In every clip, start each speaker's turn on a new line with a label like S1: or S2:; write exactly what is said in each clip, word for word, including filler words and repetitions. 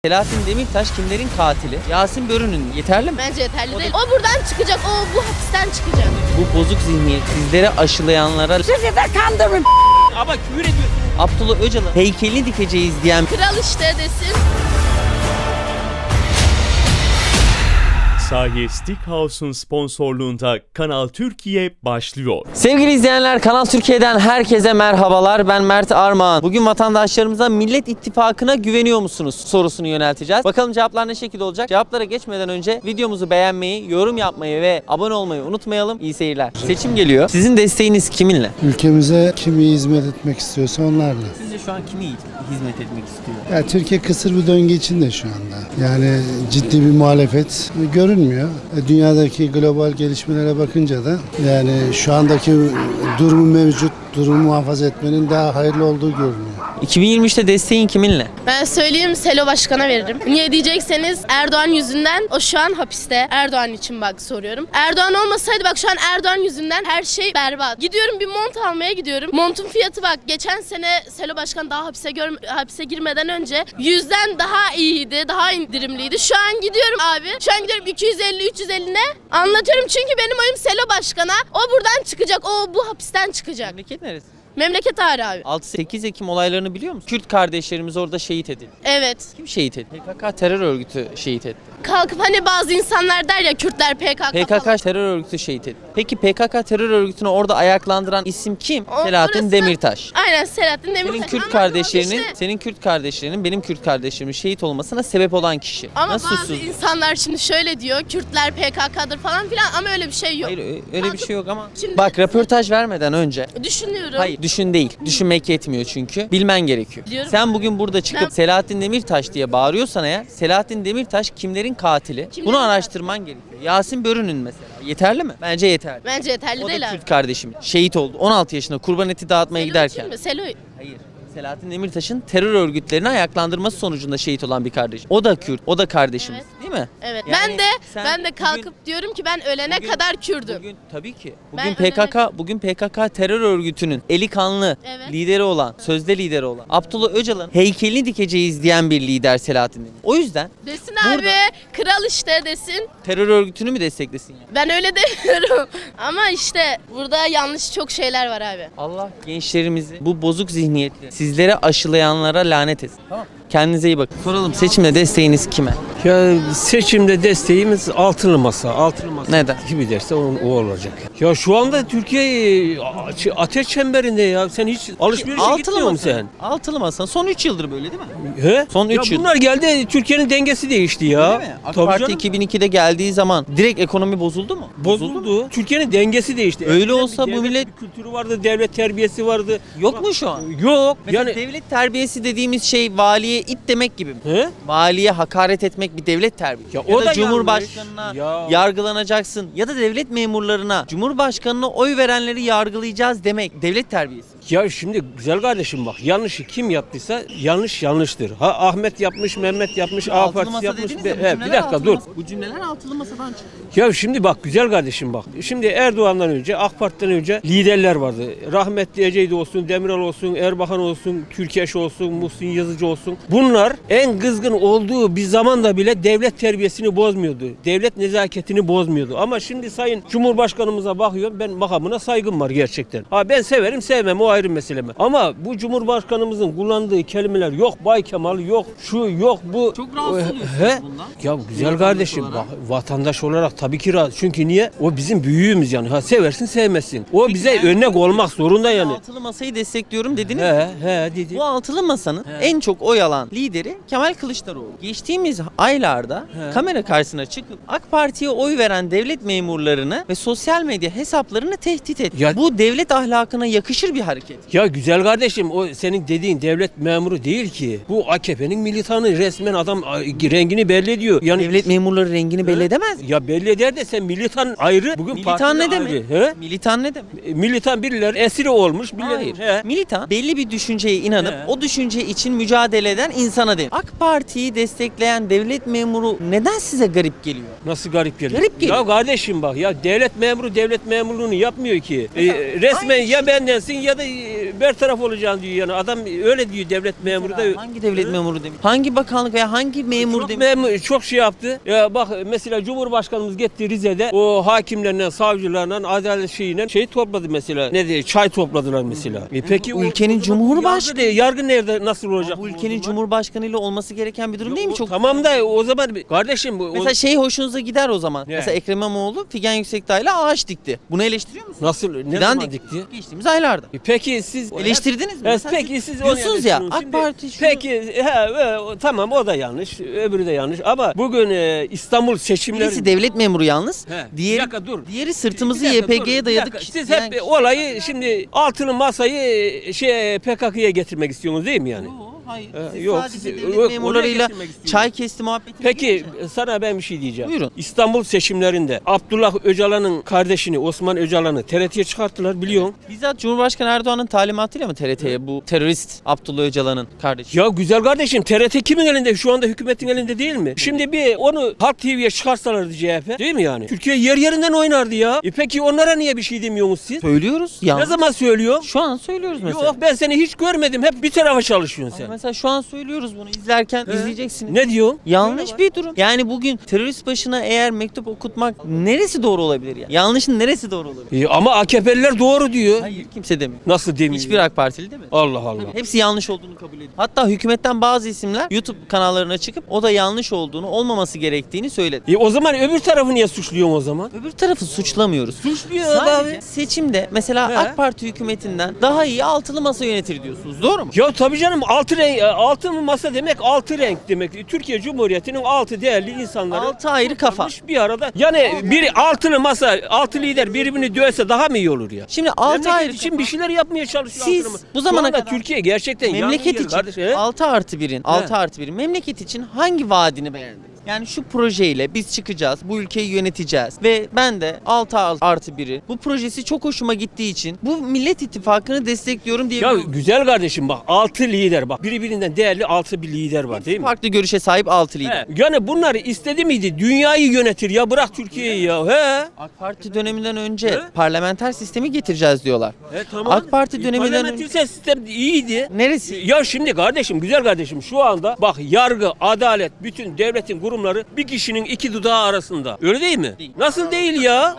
S1: Selahattin Demirtaş kimlerin katili? Yasin Börü'nün yeterli mi?
S2: Bence yeterli
S1: O
S2: değil. O buradan çıkacak, o bu hapisten çıkacak.
S1: Bu bozuk zihniyet sizlere aşılayanlara
S3: Sizi de kandırın.
S4: Ama küfür ediyorsun.
S1: Abdullah Öcalan'ın heykelini dikeceğiz diyen
S2: Kral işte desin.
S4: Sahi Steakhouse'un sponsorluğunda Kanal Türkiye başlıyor.
S1: Sevgili izleyenler, Kanal Türkiye'den herkese merhabalar. Ben Mert Armağan. Bugün vatandaşlarımıza Millet İttifakı'na güveniyor musunuz sorusunu yönelteceğiz. Bakalım cevaplar ne şekilde olacak? Cevaplara geçmeden önce videomuzu beğenmeyi, yorum yapmayı ve abone olmayı unutmayalım. İyi seyirler. Seçim geliyor. Sizin desteğiniz kiminle?
S5: Ülkemize kim iyi hizmet etmek istiyorsa onlarla.
S1: Sizce şu an kimi hizmet etmek istiyor?
S5: Ya Türkiye kısır bir döngü içinde şu anda. Yani ciddi bir muhalefet görünmüyor. E, Dünyadaki global gelişmelere bakınca da yani şu andaki durumu mevcut durumu muhafaza etmenin daha hayırlı olduğu görünüyor.
S1: iki bin yirmi üçte desteğin kiminle?
S2: Ben söyleyeyim, Selo Başkan'a veririm. Niye diyecekseniz Erdoğan yüzünden o şu an hapiste. Erdoğan için bak soruyorum. Erdoğan olmasaydı bak şu an Erdoğan yüzünden her şey berbat. Gidiyorum bir mont almaya gidiyorum. Montun fiyatı bak geçen sene Selo Başkan daha hapise gör, hapise girmeden önce yüzden daha iyiydi, daha indirimliydi. Şu an gidiyorum abi. Şu an gidiyorum iki yüz elli üç yüz elli ne? Anlatıyorum çünkü benim oyum Selo Başkan'a. O buradan çıkacak. O bu hapisten çıkacak.
S1: Memleket neresi?
S2: Memleket ağrı abi.
S1: altı sekiz Ekim olaylarını biliyor musun? Kürt kardeşlerimiz orada şehit edildi.
S2: Evet.
S1: Kim şehit etti? P K K terör örgütü şehit etti.
S2: Kalkıp hani bazı insanlar der ya Kürtler P K K
S1: P K K
S2: falan.
S1: terör örgütü şehit etti. Peki P K K terör örgütünü orada ayaklandıran isim kim?
S2: O-
S1: Selahattin
S2: orası-
S1: Demirtaş.
S2: Aynen Selahattin Demirtaş.
S1: Senin Kürt
S2: Ama
S1: kardeşlerinin,
S2: işte-
S1: senin Kürt kardeşlerinin, benim Kürt kardeşlerimin şehit olmasına sebep olan kişi.
S2: Ama
S1: Nasıl
S2: bazı
S1: suçsuz?
S2: insanlar şimdi şöyle diyor, Kürtler P K K'dır falan filan ama öyle bir şey yok.
S1: Hayır ö- öyle bir şey yok ama.
S2: Şimdi-
S1: Bak röportaj vermeden önce.
S2: Düşünüyorum.
S1: Hayır düşün değil. Düşünmek yetmiyor çünkü. Bilmen gerekiyor.
S2: Biliyorum.
S1: Sen bugün burada çıkıp
S2: Ben-
S1: Selahattin Demirtaş diye bağırıyorsan eğer Selahattin Demirtaş kimlerin katili?
S2: Kimlerin
S1: Bunu araştırman gerekiyor. Yasin Börü'nün mesela. Yeterli mi? Bence yeterli.
S2: Bence yeterli
S1: O
S2: değil
S1: da
S2: abi.
S1: Kürt kardeşim. Şehit oldu. on altı yaşında kurban eti dağıtmaya
S2: Selo
S1: giderken.
S2: kim mi? Selo.
S1: Hayır. Selahattin Demirtaş'ın terör örgütlerini ayaklandırması sonucunda şehit olan bir kardeş. O da Kürt, o da kardeşimiz,
S2: Evet.
S1: değil mi?
S2: Evet.
S1: Yani
S2: ben de
S1: sen
S2: ben de
S1: bugün-
S2: kalkıp diyorum ki ben ölene
S1: bugün-
S2: kadar Kürdüm.
S1: Bugün tabii ki.
S2: Ben
S1: Bugün P K K bugün P K K terör örgütünün eli kanlı
S2: Evet.
S1: lideri olan, sözde lideri olan Abdullah Öcalan'ın heykelini dikeceğiz diyen bir lider Selahattin Demirtaş. O yüzden
S2: Desin
S1: Burada-
S2: abi, kral işte desin.
S1: terör örgütünü mü desteklesin yani?
S2: Ben öyle demiyorum. Ama işte burada yanlış çok şeyler var abi.
S1: Allah gençlerimizi bu bozuk zihniyetli sizlere aşılayanlara lanet etsin. Tamam. Kendinize iyi bakın. Soralım, seçimde desteğiniz kime?
S6: Ya seçimde desteğimiz altılı masa. Altılı masa
S1: Neden?
S6: gibi derse o, o olacak. Ya şu anda Türkiye a- ateş çemberinde ya. Sen hiç alışverişe gitmiyor musun sen?
S1: Altılı masa. Son üç yıldır böyle değil mi?
S6: He?
S1: Son üç
S6: ya
S1: yıl.
S6: bunlar geldi, Türkiye'nin dengesi değişti ya.
S1: Değil mi? AK
S6: Tabii
S1: Parti
S6: canım.
S1: iki bin ikide geldiği zaman direkt ekonomi bozuldu mu?
S6: Bozuldu. Türkiye'nin dengesi değişti.
S1: Öyle
S6: Eskiden
S1: olsa
S6: bir
S1: bu
S6: devlet
S1: millet-
S6: bir kültürü vardı, devlet terbiyesi vardı.
S1: Yok mu şu an?
S6: Yok.
S1: Mesela
S6: yani
S1: devlet terbiyesi dediğimiz şey valiye it demek gibi mi?
S6: He?
S1: Valiye hakaret etmek bir devlet terbiyesi.
S6: Ya
S1: Ya,
S6: o
S1: da,
S6: da
S1: Cumhurbaşkanına
S6: yanlış. Ya.
S1: yargılanacaksın ya da devlet memurlarına Cumhurbaşkanına oy verenleri yargılayacağız demek devlet terbiyesi.
S6: Ya şimdi güzel kardeşim bak, yanlışı kim yaptıysa yanlış yanlıştır. Ha Ahmet yapmış, Mehmet yapmış, A
S1: Altılı
S6: Partisi
S1: masa
S6: yapmış.
S1: dediniz
S6: Be-
S1: ya, bu
S6: He, bir
S1: cümleler
S6: dakika
S1: altılı
S6: dur.
S1: masa- Bu cümleler altılı masadan çıktı.
S6: Ya şimdi bak güzel kardeşim bak. Şimdi Erdoğan'dan önce, AK Parti'den önce liderler vardı. Rahmetli Ecevit olsun, Demirel olsun, Erbakan olsun, Türkeş olsun, Muhsin Yazıcı olsun. Bunlar en kızgın olduğu bir zamanda bile devlet terbiyesini bozmuyordu. Devlet nezaketini bozmuyordu. Ama şimdi Sayın Cumhurbaşkanımıza bakıyorum, ben makamına saygım var gerçekten. Ha ben severim sevmem, o ayrı mesele. Ama bu Cumhurbaşkanımızın kullandığı kelimeler yok Bay Kemal, yok şu yok bu.
S1: Çok rahatsız
S6: He?
S1: oluyorsunuz bundan.
S6: Ya güzel
S1: Vatandaş
S6: kardeşim
S1: olarak.
S6: bak, vatandaş olarak tabii ki rahat. Çünkü niye? O bizim büyüğümüz yani. Ha seversin sevmezsin. O bize
S1: ben-
S6: örnek olmak zorunda yani.
S1: Altılı masayı destekliyorum dediniz.
S6: He he dedi.
S1: Bu altılı masanın en çok oy alan lideri Kemal Kılıçdaroğlu. Geçtiğimiz aylarda
S6: He.
S1: kamera karşısına çıkıp AK Parti'ye oy veren devlet memurlarını ve sosyal medya hesaplarını tehdit etti.
S6: Ya-
S1: Bu devlet ahlakına yakışır bir hareket.
S6: Ya güzel kardeşim, o senin dediğin devlet memuru değil ki. Bu A K P'nin militanı, resmen adam a, rengini belli ediyor. Yani
S1: Devlet memurları rengini belli edemez mi?
S6: ya belli eder de sen militan ayrı. Bugün
S1: Militan
S6: partili
S1: ne demek?
S6: ayrı. He?
S1: Militan ne demek?
S6: E, Militan birileri esiri olmuş. Birileri,
S1: Hayır.
S6: He.
S1: Militan belli bir düşünceye inanıp
S6: He.
S1: o düşünce için mücadele eden insana denir. AK Parti'yi destekleyen devlet memuru neden size garip geliyor?
S6: Nasıl garip geliyor?
S1: Garip geliyor.
S6: Ya kardeşim bak ya, devlet memuru devlet devlet memurluğunu yapmıyor ki. E, resmen ya bendensin ya da e, bertaraf olacaksın diyor yani. Adam öyle diyor devlet memuru da.
S1: Hangi devlet memuru demiş? Hangi bakanlık veya hangi memur
S6: Çok,
S1: demiş?
S6: memur, çok şey yaptı. Ya bak mesela Cumhurbaşkanımız gitti Rize'de o hakimlerle, savcılarla, adalet şeyiyle şey topladı mesela. Ne diye çay topladılar mesela. E peki
S1: Bu ülkenin
S6: o,
S1: Cumhurbaşkanı-
S6: yargı, yargı nerede nasıl olacak?
S1: Bu
S6: o
S1: ülkenin
S6: zaman?
S1: Cumhurbaşkanı ile olması gereken bir durum değil mi?
S6: O-
S1: Çok
S6: Tamam da o zaman kardeşim bu
S1: Mesela
S6: o,
S1: şey hoşunuza gider o zaman.
S6: Ne?
S1: Mesela Ekrem İmamoğlu Figen Yüksekdağ ile ağaç dikti. Bunu eleştiriyor musunuz?
S6: nasıl ne
S1: Fidan
S6: zaman
S1: dikti.
S6: dikti?
S1: Geçtiğimiz aylarda.
S6: E peki siz
S1: Eleştirdiniz mi?
S6: Evet,
S1: Mesela
S6: peki siz onu
S1: diyorsunuz ya
S6: eleştiriyorsunuz.
S1: AK
S6: Şimdi-
S1: Parti şunu...
S6: Peki he, he, o- tamam o da yanlış, öbürü de yanlış ama bugün e, İstanbul seçimleri
S1: Birisi devlet memuru yalnız.
S6: He, bir
S1: Diğeri,
S6: dakika dur.
S1: diğeri sırtımızı
S6: Bir dakika,
S1: Y P G'ye
S6: dur,
S1: dayadık.
S6: bir dakika. Siz
S1: diyen
S6: hep
S1: kişi.
S6: olayı şimdi altılı masayı şey P K K'ya getirmek istiyorsunuz değil mi yani?
S1: Yok, hayır.
S6: Ee,
S1: Siz
S6: yok,
S1: sadece
S6: siz-
S1: devlet
S6: yok,
S1: memurlarıyla
S6: oraya getirmek istiyorum.
S1: çay kesti muhabbeti.
S6: Peki sana ben bir şey diyeceğim.
S1: Buyurun.
S6: İstanbul seçimlerinde Abdullah Öcalan'ın kardeşini Osman Öcalan'ı T R T'ye çıkarttılar biliyorsun.
S1: Bizzat Cumhurbaşkanı Erdoğan'ın talimatıyla mı T R T'ye bu terörist Abdullah Öcalan'ın kardeşi?
S6: Ya güzel kardeşim T R T kimin elinde? Şu anda hükümetin elinde değil mi? Şimdi bir onu Halk T V'ye çıkarsalardı C H P değil mi yani? Türkiye yer yerinden oynardı ya. E peki onlara niye bir şey demiyorsunuz siz?
S1: Söylüyoruz.
S6: Ne
S1: Yalnız.
S6: zaman söylüyor?
S1: Şu an söylüyoruz mesela.
S6: Yok ben seni hiç görmedim. Hep bir tarafa çalışıyorsun
S1: Ama
S6: sen.
S1: mesela şu an söylüyoruz bunu. İzlerken
S6: He?
S1: izleyeceksiniz.
S6: Ne diyor?
S1: Yanlış bir durum. Yani bugün terörist başına eğer mektup okutmak neresi doğru olabilir ya? Yanlışın neresi doğru olabilir?
S6: E, ama A K P'liler doğru diyor.
S1: Hayır kimse demiyor.
S6: Nasıl demiyor?
S1: Hiçbir AK Partili değil mi?
S6: Allah Allah.
S1: Hepsi yanlış olduğunu kabul ediyor. Hatta hükümetten bazı isimler YouTube kanallarına çıkıp o da yanlış olduğunu, olmaması gerektiğini söyledi.
S6: E, o zaman öbür tarafı niye suçluyorsun o zaman?
S1: Öbür tarafı suçlamıyoruz.
S6: Suçluyor
S1: Sadece
S6: abi.
S1: seçimde mesela
S6: He.
S1: AK Parti hükümetinden daha iyi altılı masa yönetir diyorsunuz. Doğru mu?
S6: Ya tabii canım altı renk, altı masa demek altı renk demek. Türkiye Cumhuriyeti'nin altı değerli insanları
S1: Altı ayrı kafa.
S6: toplanmış bir arada. Yani bir altılı masa, altı lider birbirini dövse daha mı iyi olur ya?
S1: Şimdi altı
S6: Memleket
S1: ayrı
S6: için
S1: kafa.
S6: bir şeyler yapmaya çalışıyor.
S1: Siz
S6: altılı masa.
S1: bu zamana
S6: Şu anda
S1: kadar
S6: Türkiye gerçekten
S1: memleket
S6: yangın yeri
S1: için
S6: kardeş, he?
S1: altı artı birin, altı artı birin memleket için hangi vaadini beğendiniz? Yani şu projeyle biz çıkacağız, bu ülkeyi yöneteceğiz ve ben de altı artı biri bu projesi çok hoşuma gittiği için bu Millet İttifakı'nı destekliyorum
S6: Ya
S1: diyebilirim.
S6: güzel kardeşim bak altı lider bak birbirinden değerli altı bir lider var değil mi?
S1: Farklı görüşe sahip altı lider.
S6: He, yani bunlar istedi miydi? Dünyayı yönetir ya bırak Türkiye'yi ya. He.
S1: AK Parti döneminden önce
S6: He?
S1: parlamenter sistemi getireceğiz diyorlar.
S6: E, tamam.
S1: AK Parti döneminden önce
S6: Parlamenter sistem iyiydi.
S1: neresi?
S6: Ya şimdi kardeşim güzel kardeşim şu anda bak yargı, adalet, bütün devletin kurumları bir kişinin iki dudağı arasında. Öyle değil mi?
S1: Değil.
S6: Nasıl değil ya?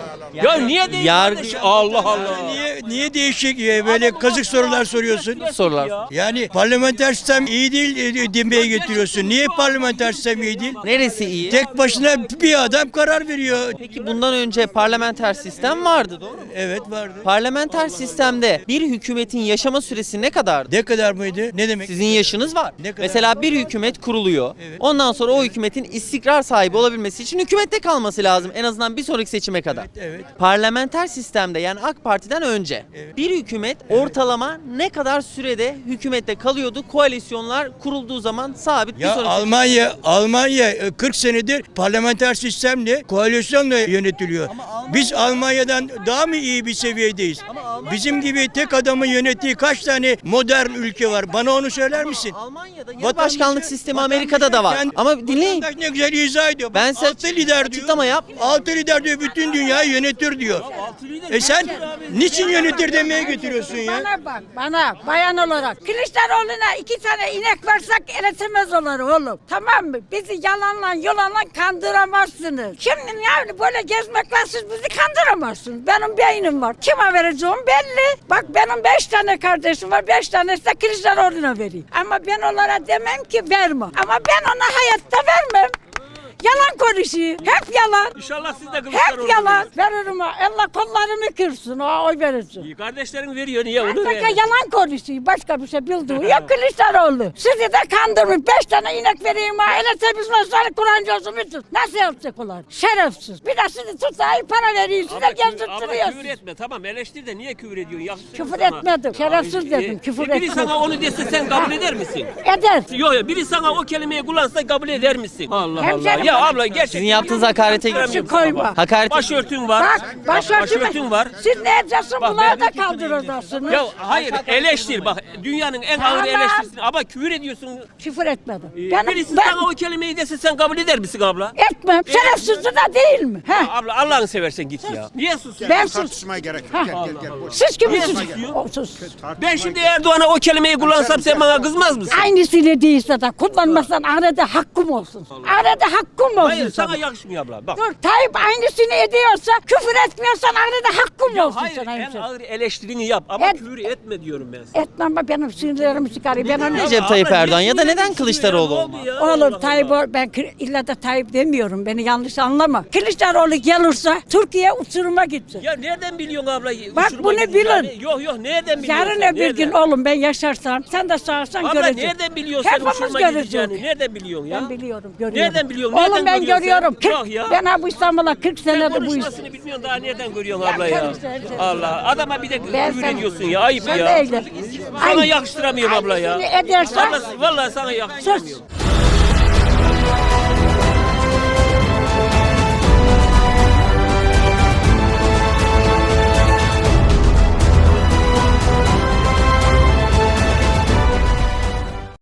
S6: Ya niye değil
S1: Yargı-
S6: kardeşim? Allah Allah.
S3: Niye niye değişik e, böyle kazık sorular soruyorsun?
S1: Sorular.
S6: Ya.
S3: Yani parlamenter sistem iyi değil e, demeye getiriyorsun. Niye parlamenter sistem iyi değil?
S1: Neresi iyi?
S3: Tek başına bir adam karar veriyor.
S1: Peki bundan önce parlamenter sistem vardı doğru mu?
S3: Evet vardı.
S1: Parlamenter sistemde bir hükümetin yaşama süresi ne kadardı?
S3: Ne kadar mıydı? Ne demek?
S1: Sizin yaşınız var.
S3: Ne kadar?
S1: Mesela bir hükümet kuruluyor.
S3: Evet.
S1: Ondan sonra o hükümetin istikrar sahibi olabilmesi için hükümette kalması lazım. En azından bir sonraki seçime kadar.
S3: Evet, evet.
S1: Parlamenter sistemde yani AK Parti'den önce
S3: Evet.
S1: bir hükümet ortalama ne kadar sürede hükümette kalıyordu? Koalisyonlar kurulduğu zaman sabit bir
S3: Ya
S1: sonraki
S3: Almanya Almanya e, kırk senedir parlamenter sistemle koalisyonla yönetiliyor. Biz Almanya'dan daha mı iyi bir seviyedeyiz? Bizim gibi tek adamın yönettiği kaç tane modern ülke var? Bana onu söyler misin?
S1: Almanya'da yarı
S3: Vatandaşı-
S1: başkanlık sistemi
S3: vatandaşı
S1: Amerika'da da var.
S3: kendi-
S1: Ama dinleyin.
S3: vatandaş ne güzel izah ediyor.
S1: Ben
S3: Ben
S1: size
S3: altı lider diyor.
S1: açıklama yap.
S3: Altı lider diyor bütün dünyayı yönetir diyor. E sen niçin yönetir demeye getiriyorsun ya?
S7: Bana bak, bana bayan olarak. Kılıçdaroğlu'na iki tane inek versek eretemez olur oğlum. Tamam mı? Bizi yalanla yalanla kandıramazsınız. Şimdi yani böyle gezmekle siz bizi kandıramazsınız. Benim beynim var. Kime vereceğim belli. Bak benim beş tane kardeşim var. Beş tanesi de Kılıçdaroğlu'na vereyim. Ama ben onlara demem ki verme. Ama ben ona hayatta vermem. Yalan konuşuyor. Hep yalan.
S6: İnşallah siz de
S7: Hep
S6: Kılıçdaroğlu
S7: yalan. Veririm ha. Allah kollarımı kırsın. O oy verirsin.
S6: verin. Kardeşlerin veriyor niye onu
S7: Artık
S6: ver?
S7: yalan konuşuyor. Başka bir şey bildiği yok Kılıçdaroğlu. Sizi de kandırmış. Beş tane inek vereyim ha. Ele temizmezler Kur'ancı olsun bütün. Nasıl yapacak onlar? Şerefsiz. Bir de sizi tutayım para veriyor. Size
S6: Ama küfür, ama küfür
S7: gezdirtiriyorsunuz.
S6: etme tamam eleştir de niye küfür ediyorsun? Yakışır mı
S7: Küfür
S6: sana?
S7: etmedim. Şerefsiz dedim.
S6: E,
S7: Küfür
S6: e, Biri
S7: etmedim.
S6: sana onu dese sen kabul eder misin?
S7: Eder.
S6: Yok yok biri sana o kelimeyi kullansa kabul eder misin? Allah Allah.
S7: Hemşerim
S6: Ya
S7: bana-
S6: abla geç
S1: Sizin yaptığınız hakarete
S7: Şu koyma.
S1: Hakaret
S6: Başörtün var.
S7: Bak başörtü
S6: Başörtün var.
S7: Siz ne yapacaksınız?
S6: Bak,
S7: Bunları
S6: ben-
S7: da kaldıracaksınız.
S6: Ya hayır eleştir bak dünyanın en ağır
S7: Tamam.
S6: eleştirisini ama küfür ediyorsun.
S7: Küfür etmedim.
S6: Ee,
S7: Ben,
S6: Birisi
S7: ben
S6: sana o kelimeyi dese sen kabul eder misin abla?
S7: etmem. Şerefsizce de değil mi? He.
S6: Abla Allah'ını seversen git ya. Niye susuyorsun?
S7: Ben sus.
S8: Tartışmaya gerek yok. Gel gel gel. Boş.
S7: Siz kimi
S6: Niye
S7: sus?
S6: susuyor?
S7: O, sus.
S6: Ben şimdi Erdoğan'a o kelimeyi kullansam sen bana kızmaz mısın?
S7: Aynısını değilse de kullanmasan arada hakkım olsun. Arada hakkım olsun.
S6: Hayır sana
S7: sana.
S6: yakışmıyor abla. Bak.
S7: Dur Tayyip aynısını ediyorsa küfür etmiyorsan arada hakkım
S6: Ya
S7: olsun
S6: hayır
S7: sana.
S6: en
S7: hemşerim.
S6: ağır eleştirini yap ama
S7: Et-
S6: küfür etme diyorum ben sana.
S7: Etmem bak benim sinirlerimi çıkarıyor. Ben onu...
S1: Recep Tayyip
S6: Abla, niye
S1: Erdoğan ya da neden
S6: sinirleniyorsun
S1: Kılıçdaroğlu
S6: ya? Ne
S1: olmaz?
S6: oldu ya?
S7: Oğlum
S6: Allah
S7: Tayyip
S6: Allah.
S7: o- ben kı- illa da Tayyip demiyorum. Beni yanlış anlama. Kılıçdaroğlu gelirse Türkiye uçuruma gitsin.
S6: Ya nereden biliyorsun abla?
S7: Bak
S6: Uçuruma
S7: bunu
S6: gideceğini?
S7: bilin.
S6: Yok yok nereden biliyorsun?
S7: Yarın
S6: sen?
S7: öbür gün
S6: Nereden?
S7: oğlum ben yaşarsam sen de sağırsan
S6: Abla
S7: göreceksin.
S6: nereden biliyorsun sen
S7: Hepimiz
S6: uçuruma
S7: göreceğiz.
S6: gideceğini? Nereden biliyorsun ya?
S7: Ben biliyorum, görüyorum.
S6: Nereden biliyorsun?
S7: Oğlum
S6: Nereden
S7: ben
S6: görüyorsun
S7: görüyorum.
S6: sen?
S7: Kırk-
S6: Yok ya.
S7: Ben ha bu İstanbul'a kırk
S6: Sen
S7: senedir bu iş.
S6: konuşmasını bilmiyorsun daha nereden görüyorsun abla ya?
S7: karıştırırım seni.
S6: Allah adama bir de
S7: Ben
S6: küfür
S7: sen-
S6: ediyorsun ya ayıp
S7: Sen
S6: ya.
S7: de öyle.
S6: Sana
S7: Ay-
S6: yakıştıramıyorum abla ya.
S7: Aynısını edersen-
S6: Abla, vallahi sana yakıştıramıyorum.
S7: Sus.